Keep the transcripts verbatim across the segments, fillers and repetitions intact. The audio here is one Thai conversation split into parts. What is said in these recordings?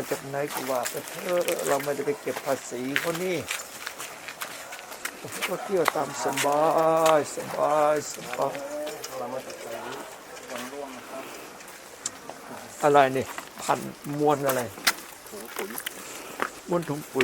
จากไหนก็ว่าไปเถอะเราไม่ได้ไปเก็บภาษีเขานี่ก็เที่ยวตามสบายสบายสบายอะไรนี่พันมวนอะไรมวนถุงปุ๋ย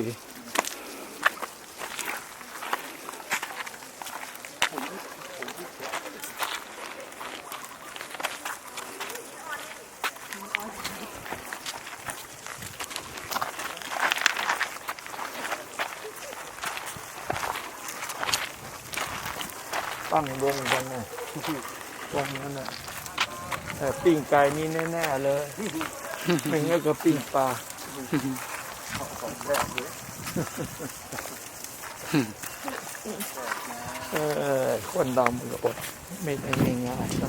ตั้งวงกันนะวงนั้นนะแต่ปิ้งไก่นี่แน่ๆเลยไม่งั้นก็ปิ้งปลาเออคนดำก็อดไม่ได้ง่ายๆนะ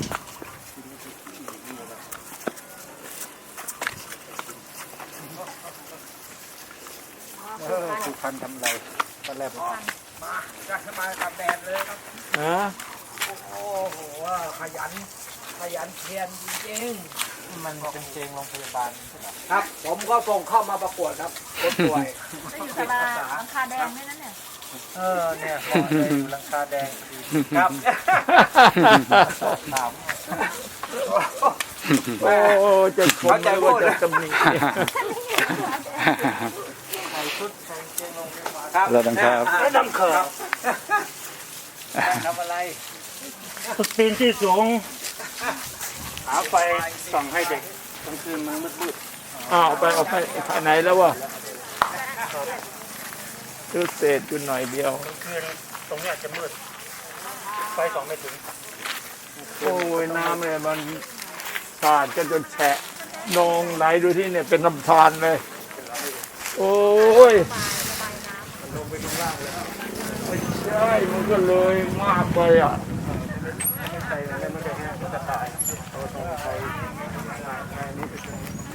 เออสุพรรณทำไรตอนแรกมาจะสบายกับแดดเลยครับฮะโอ้โหขยันขยันเพียรจริงๆมันเป็นเจงโรงพยาบาลครับผมก็ส่งเข้ามาประกวดครับคนป่วยจะอยู่ตลาดหลังคาแดงด้วยนั่นเนี่ยเออเนี่ยเหมาะเลยหลังคาแดงครับถามโอ้จะชมไม่ว่าจะตำหนิใส่ชุดใส่เจงโรงพยาบาลครับเราต้องครับแล้วดำเขินทำอะไรปีนที่สูงหาไฟส่องให้เด็กกลางคืนมันมืดๆอ้าวไปเอาไปภายในแล้ววะคือเศษอยู่หน่อยเดียวกลางคืนตรงนี้จะมืดไฟส่องไม่ถึงโอ้ยน้ำเลยมันสาดกันจนแฉะนองไหลดูที่เนี่ยเป็นลำธารเลยโอ้ยลงไปดูล่างเลยไม่ใช่มันก็เลยมากไปอ่ะไม่ใส่แล้วมันจะแห้งมันจะตายเราต้องใส่งานงานนี้ไปเลย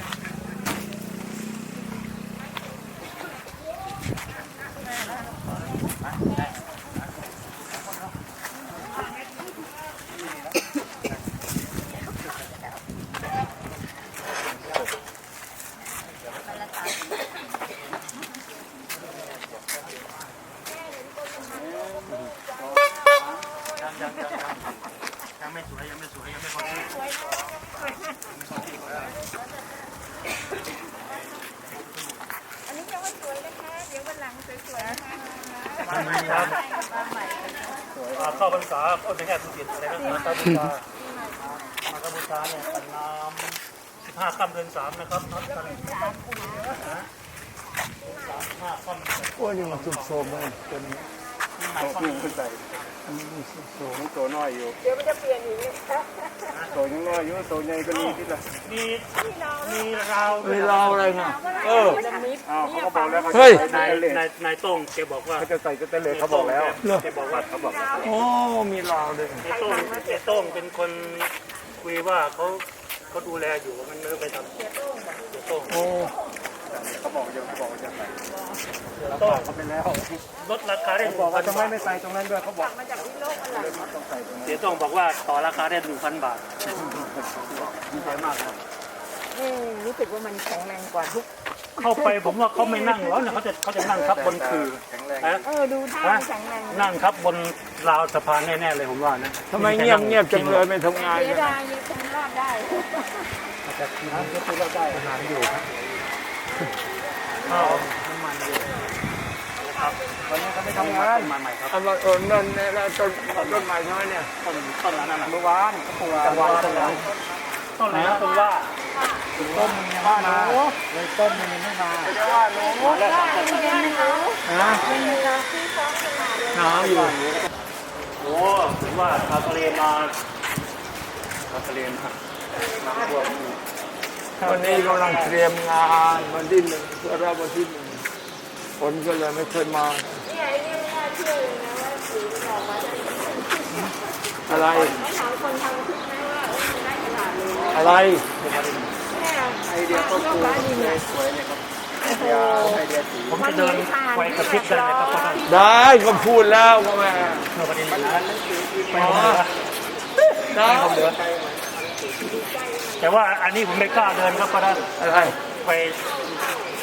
ยังไม่สวยยังไม่สวยยังไม่พอดีอันนี้ยังไม่สวยนะคะเดี๋ยววันหลังสวยๆนะคะครับเข้าพรรษาโอ้ยไม่ใช่ผู้ผิดอะไรนะมาบูชามาบูชาเนี่ยตันน้ำสิบห้าค่ำเดือนสามนะครับนับกันห้าค่ำโอ้ยนี่มันสุดโทรมเลยจนโตขึ้นไปโตมันโตน้อยอยู่เดี๋ยวมันจะเปลี่ยนอีกโตยังน้อยอยู่โตใหญ่ก็มีที่ละมีมีราวมีเราอะไรนะเอออ้าวเขาก็บอกแล้วเขาเฮ้ยนายนายนายต้งแกบอกว่าเขาจะใส่ก็เต้นเลยเขาบอกแล้วแกบอกว่าเขาบอกโอ้มีเราเลยนายต้งนายต้งเป็นคนคุยว่าเขาเขาดูแลอยู่มันไม่ไปทำเสียต้งโอ้เขาบอกยังเขาบอกจะใส่เราต้งเขาไปแล้วลดราคาได้บอกว่าทำไมไม่ใส่ตรงนั้นด้วยเขาบอกมาจากวิโลกอะไรต้องใส่ตรงนั้นเสียต้งบอกว่าต่อราคาได้หนึ่งพันบาทดีใจมากครับรู้สึกว่ามันแข็งแรงกว่าทุกเข้าไปผมว่าเขาไม่นั่งแล้วนะเขาจะเขาจะนั่งทับบนคือเออดูท่าแข็งแรงนั่งทับบนราวสะพานแน่ๆเลยผมว่านะทำไมเงียบเงียบจังเลยไม่ทำงานเสียดายยังคงรอดได้อาจจะทีนั้นก็คือเราได้งานอยู่ครับข้าวน้ำมันอยู่ครับวันนี้เขาไม่ทำงานมาใหม่ครับเอามาเออนั่นเนี่ยต้นต้นใหม่ใช่ไหมเนี่ยต้นต้นนั้นน่ะเมื่อวานก็ปลูกวันต้นนั้นต้นไหนต้นว่าต้นมันยังไม่มาเลยต้นมันยังไม่มาจะว่าหนูได้ได้หนูนะหนาวอยู่โอ้ถือว่าชาวทะเลมาชาวทะเลมาน้ำท่วมวันนี้กำลังเตรียมงานวันที่หนึ่งเพื่อรับวันที่หนึ่งฝนก็เลยไม่เคยมาเนี่ยไอ้นี่ไม่น่าเชื่อเลยนะว่าสีมันออกมาได้อะไรไม่ถามคนทำคิดไหมว่าได้ขนาดเลยอะไรไอเดียก็คือสวยเลยครับไอเดียไอเดียสีผมจะเดินไปกระพริบได้ไหมครับได้ก็พูดแล้วก็แม่เมื่อประเด็นนั้นไปเหลือได้ผมเหลือแต่ว่าอันนี้ผมไม่กล้าเดินครับก็ได้อะไรไป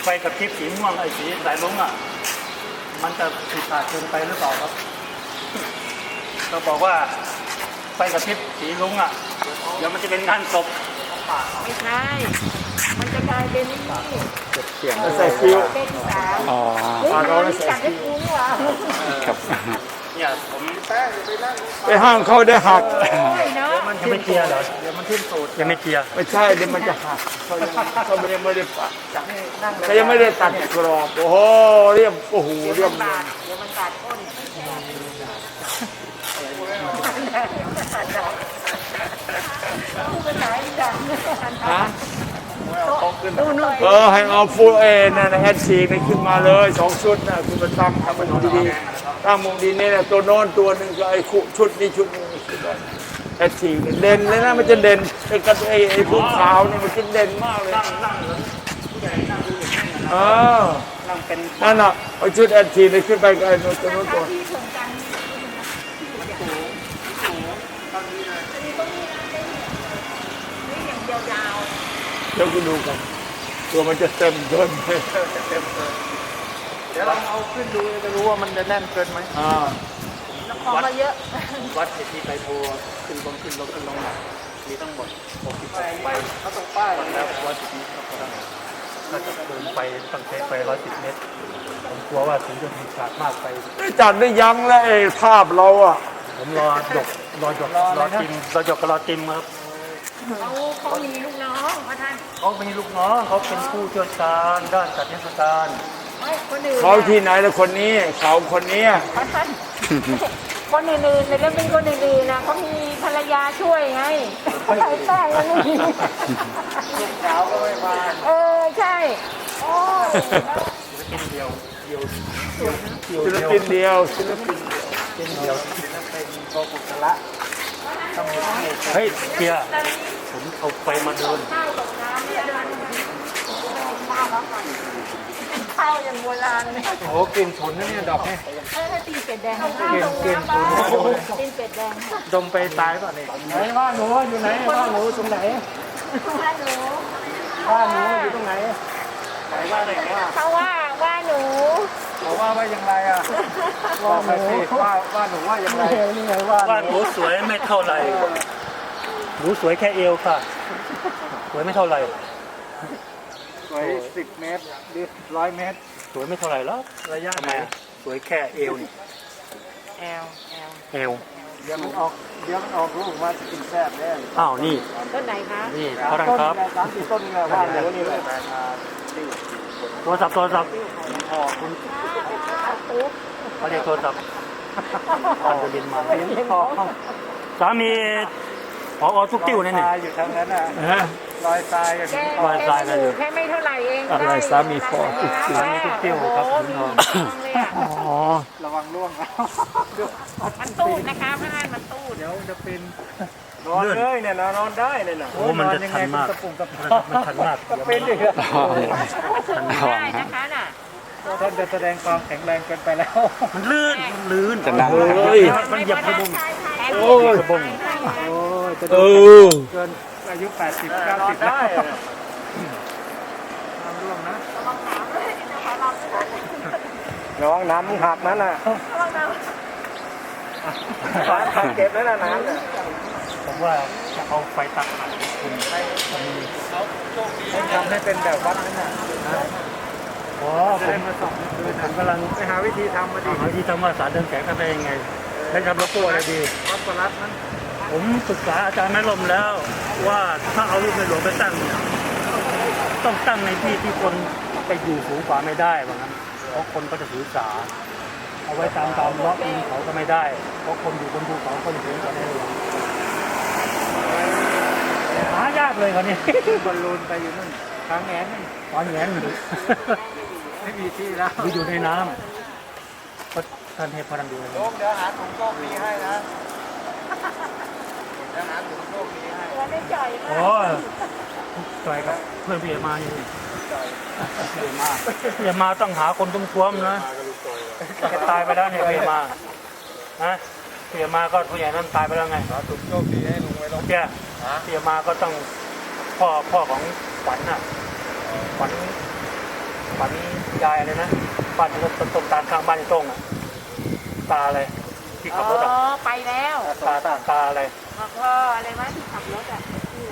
ไฟกระพริบสีม่วงไอ้สีสายลุ้งอ่ะมันจะผิดพลาดเกินไปหรือเปล่าครับเราบอกว่าไฟกระพริบสีลุ้งอ่ะเดี๋ยวมันจะเป็นงานศพไม่ใช่ มันจะกลายเป็นนี่ใส่ฟิวเป็นสาวอ๋อเฮ้ยเรานี่จัดให้กูนี่หว่าครับเนี่ยผมไปห้างเขาได้หักโอ้ยเนาะยังไม่เคลียร์เหรอเดี๋ยวมันทิ้มสูตรยังไม่เคลียร์ไม่ใช่เดี๋ยวมันจะหักเขายังเขาไม่ได้ไม่ได้ปัดเขายังไม่ได้ตัดกรอบโอ้โหเรียบโอ้โหเรียบเลยเดี๋ยวมันบาดก้นตู้เป็นไหนจังฮะตู้นู่นเออให้เอาฟูลเอนะนะแอดซีกขึ้นมาเลยสองชุดนะคุณมาตั้งทำมันดีๆตั้งมุมดีนี่นะตัวโน้นตัวหนึ่งก็ไอ้คู่ชุดนี้ชุดนี้ชุดนั้นแอดซีกเด่นเลยนะมันจะเด่นไอ้กระไอ้ไอ้ผู้ขาวนี่มันจะเด่นมากเลยนั่งนั่งเหมือนผู้ใหญ่นั่งดูอย่างนี้นะเออนั่งเป็นนั่นน่ะเอาชุดแอดซีกขึ้นไปกับไอ้ตัวโน้นตัวที่ส่งกันนี่อย่างยาวเดี๋ยวคุณดูกันตัวมันจะเต็มเกินไปเดี๋ยวเราเอาขึ้นดูจะรู้ว่ามันจะแน่นเกินไหมอ่าๆของมาเยอะวัดสิทธิไตรโพขึ้นลงขึ้นลงขึ้นลงมีทั้งหมดหกสิบสองใบเขาต้องป้ายแล้ววัดสิทธิก็ได้ถ้าจะเดินไปต้องใช้ไปร้อยสิบเมตรผมกลัวว่าถึงจะมีขาดมากไปได้จัดได้ยังแล้วไอ้ภาพเราอ่ะผมรอหยกรอหยกรอจิมรอหยกกับรอจิมครับเขาเขามีลูกน้องพระท่านเขามีลูกน้องเขาเป็นผู้เชี่ยวชาญด้านจัดเทศกาลไม่คนอื่นเขาที่ไหนแล้วคนนี้เขาคนนี้พระท่านคนอื่นๆในเรื่องเป็นคนอื่นๆนะเขามีภรรยาช่วยไงใช่ใช่ยังไม่มีสาวก็ไม่มาเออใช่โอ้ยศิลปินเดียวเดียวศิลปินเดียวศิลปินเป็นเดียวเป็นโกกุศละเฮ้ยเกียร์ผมเอาไฟมาเดินข้าวตกน้ำเนี่ยเดินข้าวแล้วกันข้าวอย่างโบราณเนี่ยโอ้กลิ่นฉุนนะเนี่ยดอกเนี่ยเออตีเป็ดแดงข้าวเกลียนเกลียนฉุนตีเป็ดแดงดมไปตายป่ะเนี่ยไหนว่าหนูอยู่ไหนว่าหนูตรงไหนว่าหนูว่าหนูอยู่ตรงไหนไหนว่าไหนว่าเขาว่าว่าหนูเขาว่าว่าอย่างไรอ่ะว่าหนูว่าว่าหนูว่าอย่างไรนี่ไงว่าว่าหนูสวยไม่เท่าไหร่หนูสวยแค่เอวค่ะสวยไม่เท่าไหร่สวยสิบเมตรหรือร้อยเมตรสวยไม่เท่าไหร่หรอกระยะทำไมอะสวยแค่เอวนี่แอลแอลเอวเดี๋ยวมันออกเดี๋ยวมันออกลูกมาจะกินแซ่บแน่อ้าวนี่ต้นไหนคะนี่เขาดังครับสามสี่ต้นนี่แหละว่าหนูนี่แหละโทรศัพท์โทรศัพท์พ่อคุณตุ๊กเขาเรียกโทรศัพท์ตอนจะบินมาเห็นพ่อสามีพอทุกติ้วนี่นี่ตายอยู่ทางนั้นน่ะฮะรอยตายอย่างแกนี้วายตายกันอยู่แค่ไม่เท่าไหร่เองอะไรสามีพ่อตุ๊กติ้วสามีตุ๊กติ้วครับโอ้ถึโหงทองเลยอะอ๋อระวังร่วงมันตูดนะคะพระท่านมันตูดเดี๋ยวจะเป็นนอนเลยเนี่ยนอนได้เลยนะโอ้มันจะชันมากกระปุกกระมันชันมากก็เป็นดิครับได้นะคะน่ะท่านจะแสดงความแข็งแรงเกินไปแล้วมันลื่นมันลื่นจะดังเฮ้ยมันเหยียบกระบุงโอ้ยกระบุงโอ้ยจะเอดูอเกินอายุแปดสิบเก้าสิบแล้วน้ำร่วงนะระวังน้ำมึงหักนั่นน่ะฝาถังเก็บแล้วนะน้ำเนี่ยผมว่าจะเอาไฟตัดขาดคุณต้องทำให้เป็นแบบวัดนั่นน่ะอ๋อจะผได้มมาส่องคืนผมกำลังไปหาวิธีทำมาดิหาที่ทำว่าสารเดินแสงทำได้ยังไงได้ทำโลโก้อะไรดีวัดประลัดนั้นผมศึกษาอาจารย์แม่ลมแล้วว่าถ้าเอารูปในหลวงไปตั้งเนี่ยต้องตั้งในที่ที่คนไปอยู่สูงกว่าไม่ได้ว่างั้นเพราะคนก็จะถือสาเอาไว้ตามตามเลาะอินเขาก็ไม่ได้ เพราะคนอยู่บนภูเขาคนสูงกว่าในหลวงหายากเลยคราวนี้บอลลูนไปอยู่นู่นทางแงนนี่ตอนแง้นไม่มีที่แล้วไปอยู่ในน้ำก็ท่านให้พลังดูเลยโชคเดี๋ยวหาถุงโชคดีให้นะเดี๋ยวหาถุงโชคดีให้ตัวได้จ่อยมาโอ้ยจอยกับเพื่อนพี่เอมาอยู่นี่พี่เอมาพี่เอมาต้องหาคนตุ้มท้วมนะแกตายไปแล้วเนี่ยพี่เอมานะพี่เอมาก็ผู้ใหญ่นั่นตายไปแล้วไงหาถุงโชคดีให้ลุงไว้ลงแกพี่เอมาก็ต้องพ่อพ่อของขวัญน่ะขวัญขฝันยายอะไรนะบ้านตรงตรงตามข้างบ้านไอ้ตรงอ่ะตาอะไรที่ขับรถอ๋อ่ะอไปแล้วตาตาตาอะไรพ่ออะไรวะที่ขับรถอ่ะ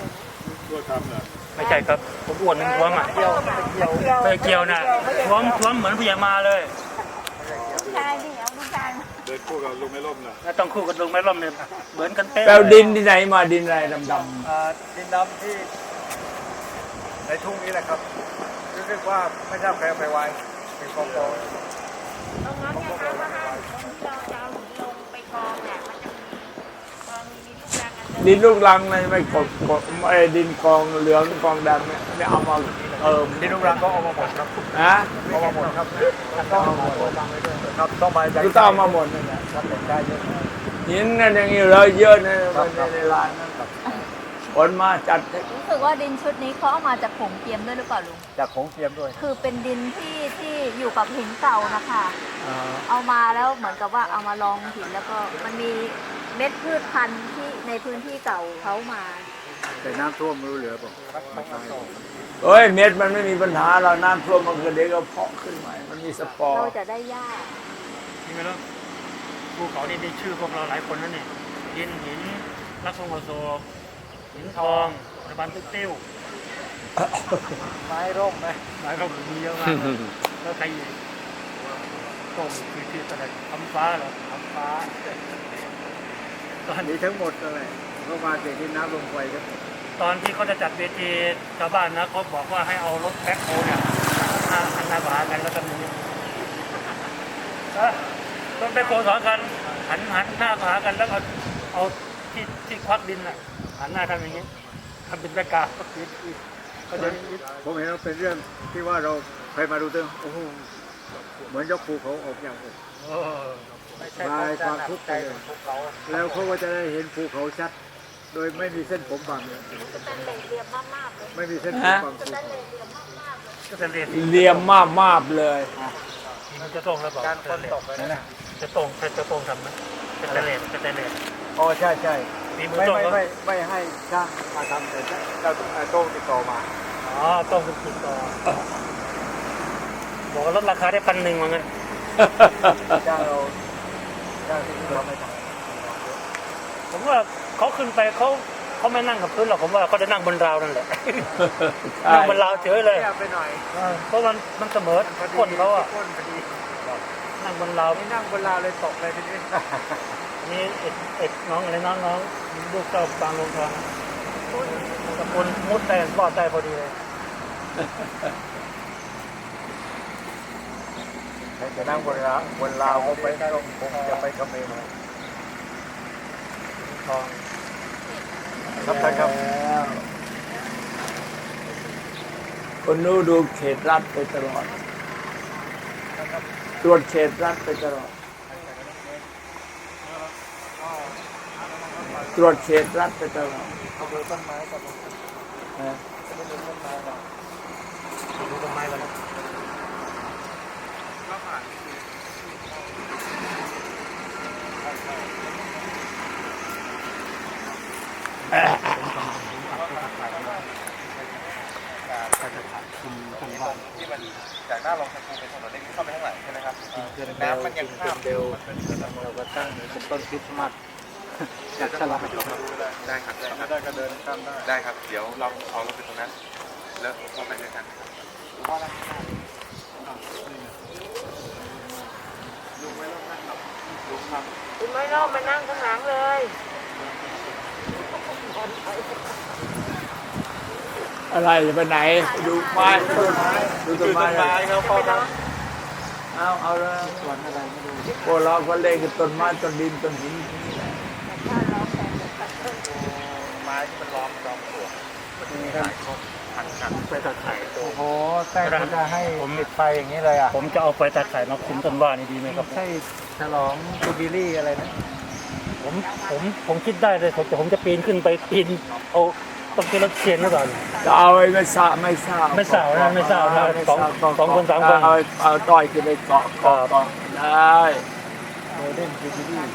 ไม่ใช่ครับ ผมอ้วนหนึ่งท้วมอ่ะเกี่ยวเกี่ยวเกี่ยวไปเกี่ยวน่ะท้วมท้วมเหมือนพญามาเลยลูกชายดิเอาลูกชายมาเดินคู่กับลุงไม่ล่มนะแล้วต้องคู่กับลุงไม่ร่มเนี่ยเหมือนกันเป๊ะแปลดินที่ไหนมาดินอะไรดำอ่าดินดำที่ในทุ่งนี้แหละครับรู้สึกว่าไม่ทราบใครเอาไปไว้เป็นกองกองตรงนั้นเนี่ยครับว่าห้ามตรงที่เราจะเอาหินลงไปกองเนี่ยมันจะมีกองมีลูกยางอันๆดินลูกรังเลยไม่กดกดไอ้ดินกองเหลืองกองดำเนี่ยไม่เอามาเติมดินลูกรังก็เอามาหมดครับนะเอามาหมดครับต้องเอามาหมดครับต้องมาก็ต้องเอามาหมดนั่นแหละครับได้เยอะหินนั่นอย่างนี้เลยเยอะในในในร้านนั้นคนมาจัดให้รู้สึกว่าดินชุดนี้เขาเอามาจากผงเทียมด้วยหรือเปล่าลุงจากของเทียมด้วยคือเป็นดินที่ที่อยู่กับหินเก่านะคะอ่าเอามาแล้วเหมือนกับว่าเอามาลองหินแล้วก็มันมีเม็ดพืชพันธุ์ที่ในพื้นที่เก่าเขามาแต่น้ำท่วมไม่รู้เหลือเปล่าเอ้ยเม็ดมันไม่มีปัญหาเราน้ำท่วมมันก็เดี๋ยวก็เพาะขึ้นใหม่มันมีสปอร์เราจะได้หญ้านี่ไม่รู้ภูเขานี่มีชื่อพวกเราหลายคนนั่นนี่ดินหินลักษณะโซหินทองระบานตุ๊กติ้วไม้ร่มไหมหลายเรามีเยอะมากเลยแล้วใครอีกต้มคือชื่ออะไรคำฟ้าเหรอคำฟ้าตอนมีทั้งหมดอะไรก็มาจากที่น้ำลงไปครับตอนที่เขาจะจัดเวทีชาวบ้านนะเขาบอกว่าให้เอารถแบ็คโฮเนี่ยหันหันหน้าหากันแล้วกันอย่างนี้เออรถแบ็คโฮสองคันหันหันหน้าหากันแล้วเอาเอาที่ที่ควักดินน่ะหันหน้าทำอย่างนี้ทำเป็นแบ็คกราวด์ก็จะผมเห็นว่าเป็นเรื่องที่ว่าเราเคยมาดูเรื่องโอ้โหเหมือนยกภูเขาออกอย่างอกเออคลายความทุกข์ไปเลยแล้วเขาก็จะได้เห็นภูเขาชัด โดยไม่มีเส้นผมบังเลยเป็นเหล็กเรียบมากๆเลยไม่มีเส้นผมบังเป็นเหล็กเรียบมากๆเลยก็จะเรียนเลียมมากมากเลยมันจะตรงแล้วบอกการคนตกไปนะจะตรงจะตรงทำไหมจะเตเลนจะเตเลนอ๋อใช่ใช่มีมือไม่ตรงไม่ก็ไม่ไม่ให้ช่างมาทำแต่เจ้าโต้งติดต่อมาอ๋อต้องเป็นติดต่อบอกว่าลดราคาได้พันหนึ่งว่างั้นจ้างเราจ้างที่เราไม่ทผมว่าเขาขึ้นไปเขาเขาไม่นั่งกับพื้นหรอกผมว่าเขาจะนั่งบนราวนั่นแหละใช่นั่งบนราวเฉยเลยำไปหน่อยเออเพราะมันมันเสมอก้นเขาอ่ะก้นพอดีนั่งบนราวนี่นั่งบนราวเลยตกเลยทีนี้นี่เอ็ดเอ็ดน้องอะไรน้องน้องลูกเจ้าบางลงทองตะกุนมุดได้รอดได้พอดีเลยจะนั่งบนราวบนราวเขาไปก็คงจะไปเขมรมาทองครับท่านครับคนนู้นดูเขตรัฐไปตลอดตรวจเขตรัฐไปตลอดตรวจเขตรัฐไปตลอดดูต้นไม้กับนะดูต้นไม้กับดูต้นไม้กันที่มันจากหน้าลงสกูเป็นถนนเล็กเข้าไปข้างหลังใช่ไหมครับน้ำมันยังข้ามเร็วเราก็ตั้งเป็นต้นคริสต์มาสอยากฉลองได้ครับได้ครับได้ก็เดินข้ามได้ได้ครับ เดี๋ยวเราเอารถไปตรงนั้น แล้วเข้าไปด้วยกันคุณไม่รอบมานั่งข้างหลังเลยอะไรจะไปไหนดูไม้ดูต้นไม้ดูต้นไม้ครับพ่อครับเอาเอาเลยสวนอะไรไม่รู้พวกเราก็เล่นกับต้นไม้ต้นดินต้นหินนี่แหละไม้ที่มันล้อมล้อมตัวมันจะมีหลายต้นพันกันไปตัดไข่โอ้โหแต่เขาจะให้ปิดไฟอย่างนี้เลยอ่ะผมจะเอาไปตัดไข่มาคุมต้นว่านี่ดีไหมครับใช่ฉลองจูบิลี่อะไรนะผมผมผมคิดได้เลยผมแต่ผมจะปีนขึ้นไปปีนเอาต้องเป็นรถเชียนหรือเปล่าจะเอาไอ้ไม่สาไม่สาไม่สาวนะไม่สาวนะสองสองคนสามคนเอาเอาต้อยขึ้นไปเกาะเกาะเกาะได้โมเดิร์นจูบิลี่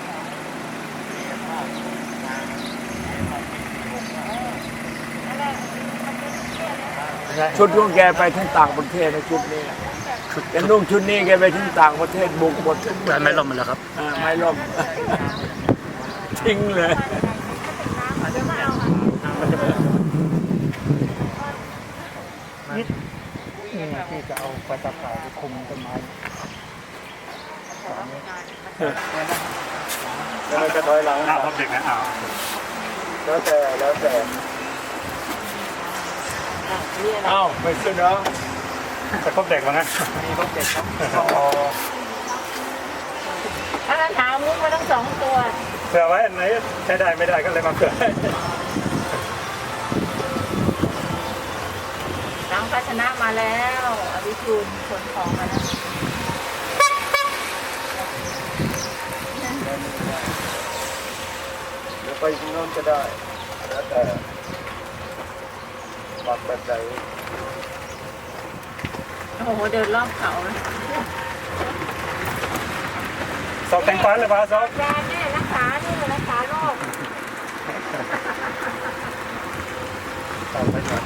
ชุดของแกไปทั้งต่างประเทศในชุดนี้แต่ชุดแกนุ่งชุดนี้แกไปที่ต่างประเทศบุกหมดทุกแต่ไม่ล่มมันแล้วครับอ่าไม่ล่ม ทิ้งเลยมันจะเป็นนิดนี่ที่จะเอาไฟตาข่ายไปคุมต้นไม้แล้วมันจะถอยหลังอ้าวพบเด็กนะอ้าวแล้วแต่แล้วแต่เอ้าไม่ขึ้นเนาะจะพบเด็กวะงั้นมีพวกเด็กครับถ้าถามมุกมาทั้งสองตัวเผื่อไว้อันไหนใช้ได้ไม่ได้ก็เลยมาเผื่อน้องภาชนะมาแล้วอภิชูนขนของมาแล้วเดี๋ยวไปข้างโน้นก็ได้แล้วแต่ปักแบบไหนโอ้โหเดินรอบเขานะสอบแต่งฟันเลยป่ะสอบแดนเนี่ยรักษาเนี่ยรักษาโรคสอบไปก่อน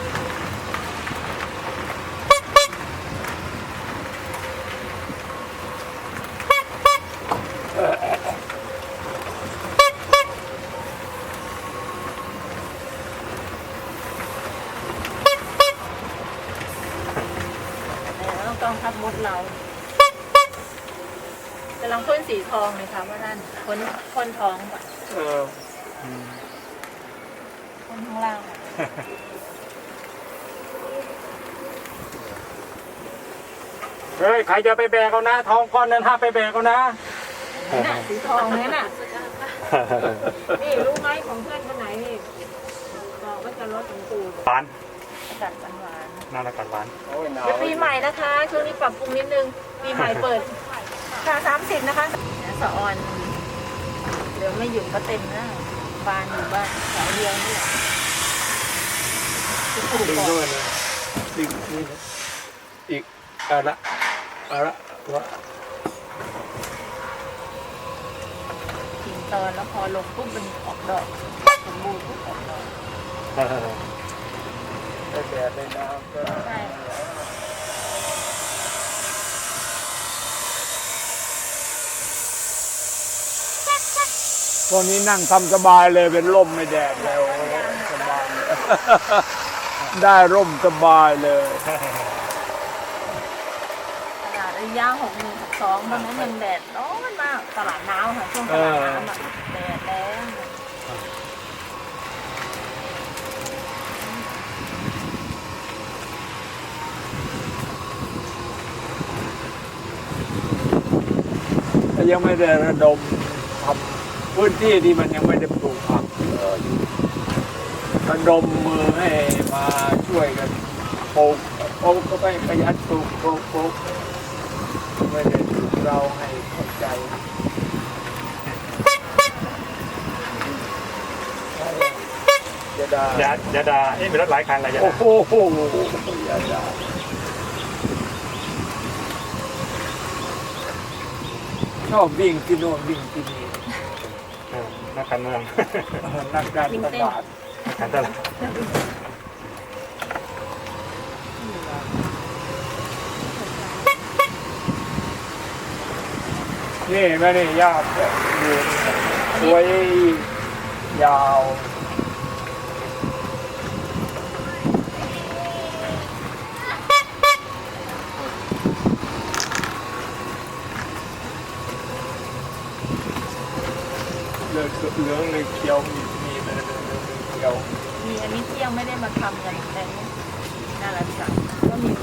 แล้วกองทัพมดเรากำลังพ่นสีทองเลยค่ะว่านั่นพ่นพ่นทองก่อนเออพ่นข้างล่างอะเฮ้ยใครจะไปแบกเอานะทองก้อนนั้นห้ามไปแบกเอานะน่ะสีทองเนี่ยน่ะนี่รู้ไหมของเพื่อนคนไหนนี่บอกว่าจะลดถึงปูหวานกัดหวานน่ารักกันหวานโอ้ยหนาวเดี๋ยวปีใหม่นะคะ ช่วงนี้ปรับปรุงนิดนึง ปีใหม่เปิดค่ะสามสิบนะคะสะออนเดี๋ยวไม่หยุดก็เต็มนะบานอยู่บ้านแถวเดียวนี่แหละดึงด้วยนะดึงนี่นะอีกอะละอะละวะทิ้งตอนแล้วพอลงปุ๊บมันออกดอกสมบูรณ์ปุ๊บออกดอกได้แดดได้น้ำก็ใช่ตอนนี้นั่งทำสบายเลยเป็นร่มไม่แดดแล้วสบาย ได้ร่มสบายเลยขนาดระยะหกหนึ่งหกสองตอนนั้นยังแดดร้อนมากตลาดน้ำค่ะช่วงตลาดน้ำอะแดดแรงแต่ยังไม่ได้ระดมทำพื้นที่ที่มันยังไม่ได้ปลูกผักเอออยู่ระดมมือให้มาช่วยกันปลูกปลูกก็ไปขยันปลูกปลูกปลูกไม่ได้ปลูกเราให้เข้าใจจะได้อย่าอย่าด่าเอ๊ะมีรถหลายคันอะไรอย่าโอ้ด่าโหอย่าด่าชอบวิ่งที่โน่นวิ่งที่นี่เออนักการเมืองนักการตลาดการตลาดนี่แม่นี่ยากอยู่สวยยาวเหลืองเหลืองเลยเขียวมีมีมันเหลืองเขียวมีอันนี้ที่ยังไม่ได้มาทำกันแต่น่ารักจังก็มี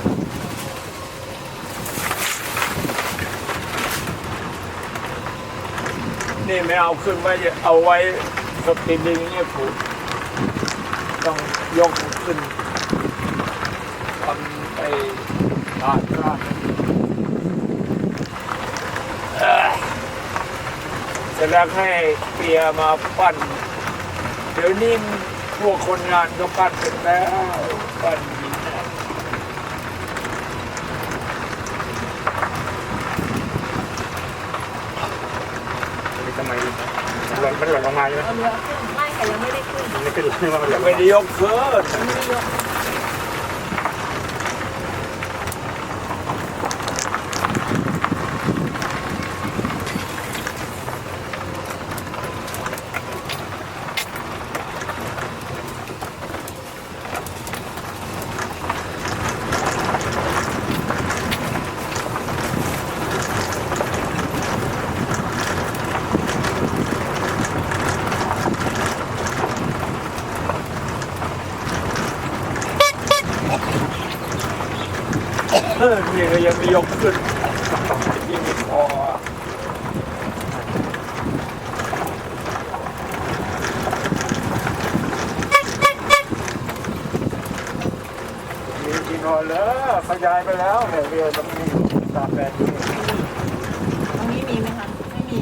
นี่ไม่เอาขึ้นไว้เอาไว้สติดินเนี่ยผูกต้องยกขึ้นทำไปลาดลาดเอ่อเสร็จแล้วให้เปียมาปั้นเดี๋ยวนี้พวกคนงานก็ปั้นเป็นแล้วปั้นหินน่ะมีทำไมหล่นมันหล่นลงมาใช่ไหมเอาเรือขึ้นไม่ค่ะยังไม่ได้ขึ้นมันไม่ขึ้นเลยว่ามันหล่ยังนไม่ได้ยกขึ้นยังไม่ได้ยกยังไม่ยกขึ้นยิ่งไม่พอมีที่นอนแล้วขยายไปแล้วเนี่ยเรือต้องมีตามแบบนี้ตรงนี้มีไหมคะไม่มี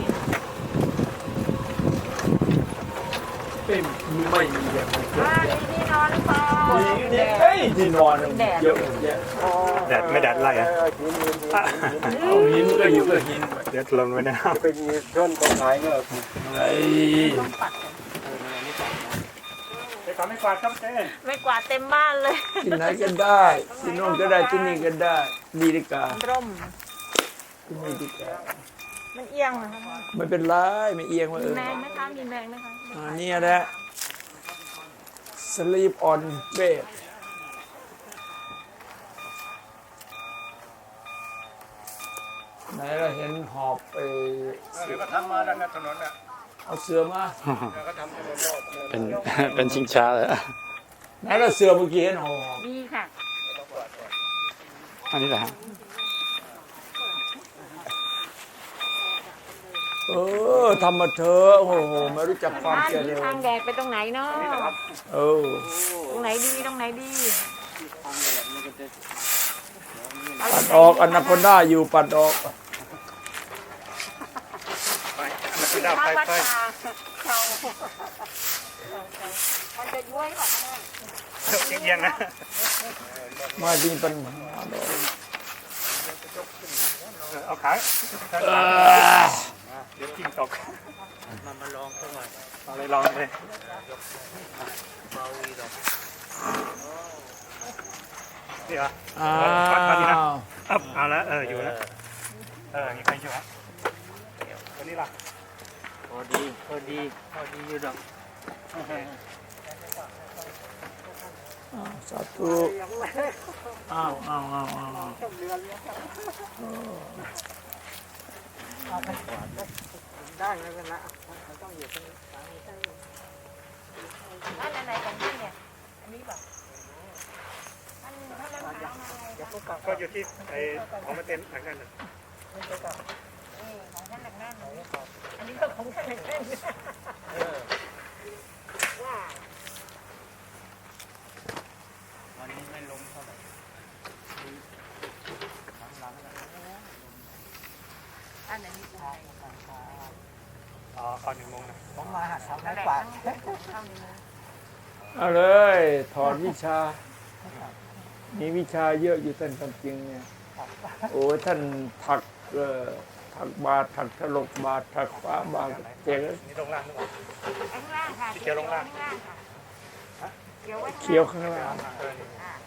เป็นไม่มีอย่างนี้บ้านมีที่นอนหรือเปล่ามีนี่เอ้ยที่นอนเยอะแยะแดดไม่แดดไล่อะเอาหินก็อยู่กับหินเดี๋ยวลงไปนะเป็นต้นต้นไม้ก็ไอ้ไปขอไม่กวาดครับเจ๊ไม่กวาดเต็มบ้านเลยที่ไหนก็ได้ที่โน่นก็ได้ที่นี่ก็ได้ดีดีการ่มที่นี่ดีกามันเอียงนะคะไม่เป็นไรไม่เอียงมาเอมีอแมงไหมคะมีแมงไหมคะอ่านี่แหละ sleep on bed ไหนเราเห็นหอบไปเดี๋ยวก็ทำมาด้านถนนน่ะเอาเสือมาเดี๋ยวก็ทำถนนรอบเป็น เป็นชิงช้าเลยไหนเราเสือเมื่อกี้เห็นหอบมีค่ะอันนี้แหละฮะเออทำมาเถอะโอ้โหไม่รู้จักความบ้านเจมีริญทางแดดไปตรงไหนเนาะเออตรงไหนดีตรงไหนดีปัดออกอนาคอนด้าอยู่ปัดออกถ้าวัดตาเขามันจะย้วยกว่าแม่เอียงๆนะมาดีปัญหาดอกเอาขาเออเดี๋ยวกิ้งตกมามาลองสักหน่อยเอาเลยลองเลยนี่เหรออ้าวอัพเอาละเอออยู่แล้วเออมีใครอยู่ฮะตัวนี้ล่ะพอดีพอดีพอดีอยู่ดอกสาธุอ้าวอ้าวอ้าวอ้าวได้ไม่เป็นไรมันต้องอยู่ตรงนี้บ้านไหนของพี่เนี่ยอันนี้แบบอันถ้ามันหามาอะไรคะก็อยู่ที่ไอ้ของมาเต็นหลังนั้นน่ะนี่ของท่านหนักแน่นเลยอันนี้ก็ของท่านหนักแน่นว่าวันนี้ไม่ลงเท่าไหร่อันไหนมีอะไรอ๋อก่อนหนึ่งโมงนะผมมาหัดทำไม้กวาดเข้านี้นะเอาเลยถอดวิชา มีวิชาเยอะอยู่ท่านความจริงเนี่ยโอ้ท่านถักเอ่อถักบาทถักถลกบาทถักฟ้าบาทเจ๋งนี่ลงล่างหรือเปล่าข้างล่างค่ะเขียวลงล่างข้างล่างค่ะเขียวไว้เขียวข้างล่างเออนี่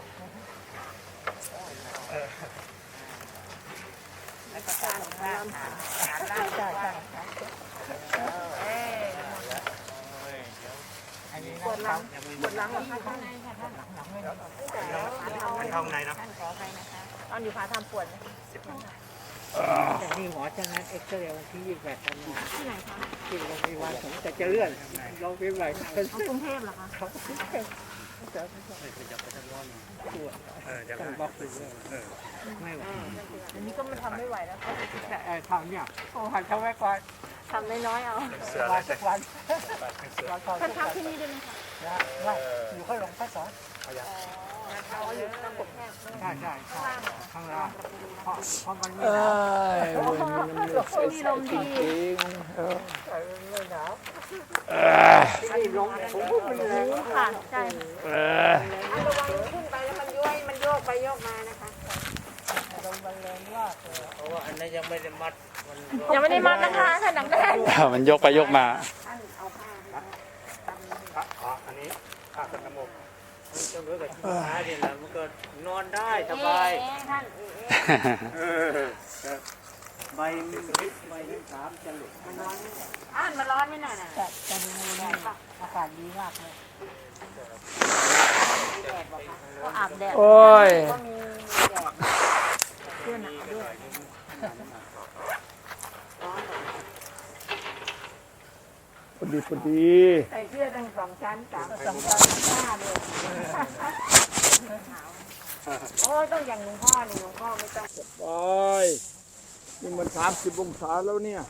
แล้วก็การของล่างค่ะล่างใช่ใช่เอ้ปวดหลังปวดหลังเหรอคะข้างในค่ะท่านหลังไม่แต่แล้วมันเข้าในนะท่านขอไปนะคะตอนอยู่พาทำปวดไหมแต่นี่หมอจะนัดเอ็กซเรย์วันที่ยี่สิบแปดกันยาที่ไหนคะที่โรงพยาบาลผมแต่จะเลื่อนโรงพยาบาลเอากรุงเทพเหรอคะเขาจะเออจะต้องบล็อกไปเลยไม่ไหวอันนี้ก็มันทำไม่ไหวแล้วแต่ไอ้ทำเนี่ยโอ้หันทำไว้ก่อนทำน้อยๆเอาเสือวัเลยนทุกวันเสือวันก่อนท่านทำที่นี่ด้วยไหมคะนะไม่อยู่ข้างหลวงพ่อสอนเอาอยู่ตรงกบแพทย์ใช่ใช่ข้างล่างเพราะเพราะมันไม่เอ้หนาวยเว้ยมันน้ำเลือดใสๆจริงๆเออไม่หนาวเอ้ยนี่ลงผมพูดมันแรงค่ะใช่เอ้ยระวังขึ้นไปแล้วมันย้วยมันโยกไปโยกมานะคะลงมันแรงมากเลยเพราะว่าอันนั้นยังไม่ได้มัดมันยังไม่ได้มัดนะคะท่านหนังแน่นมันยกไปยกมาท่านเอาผ้าอ๋ออันนี้ผ้ากันน้ำมูกมันจะเหมือนกับที่ม้าเนี่ยแหละมันก็นอนได้สบายเอ๊ะท่านใบใบสามจะหลุดอ่านมาร้อนไหมน่ะน่ะแต่แต่ดูนี่อากาศดีมากเลยก็อาบแดดโอ้ยก็มีแดดเสื้อหนาวด้วยพอดีพอดีใส่เสื้อตั้งสองชั้นสามสองชั้นห้าเลยเโอ้ต้องอย่างหลวงพ่อนี่หลวงพ่อไม่ต้องไปนี่มันสามสิบองศาแล้วเนี่ย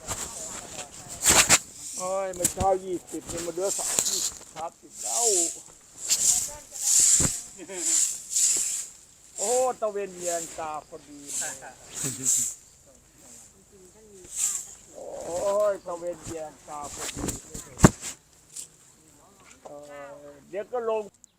โอ้ยมันเช้ายี่สิบนี่มันเหลือสามสิบสามสิบแล้วโอ้ตะเวนเย็นตาพอดีโอ้ยตะเวนเย็นตาพอดีเออเดี๋ยวก็ลง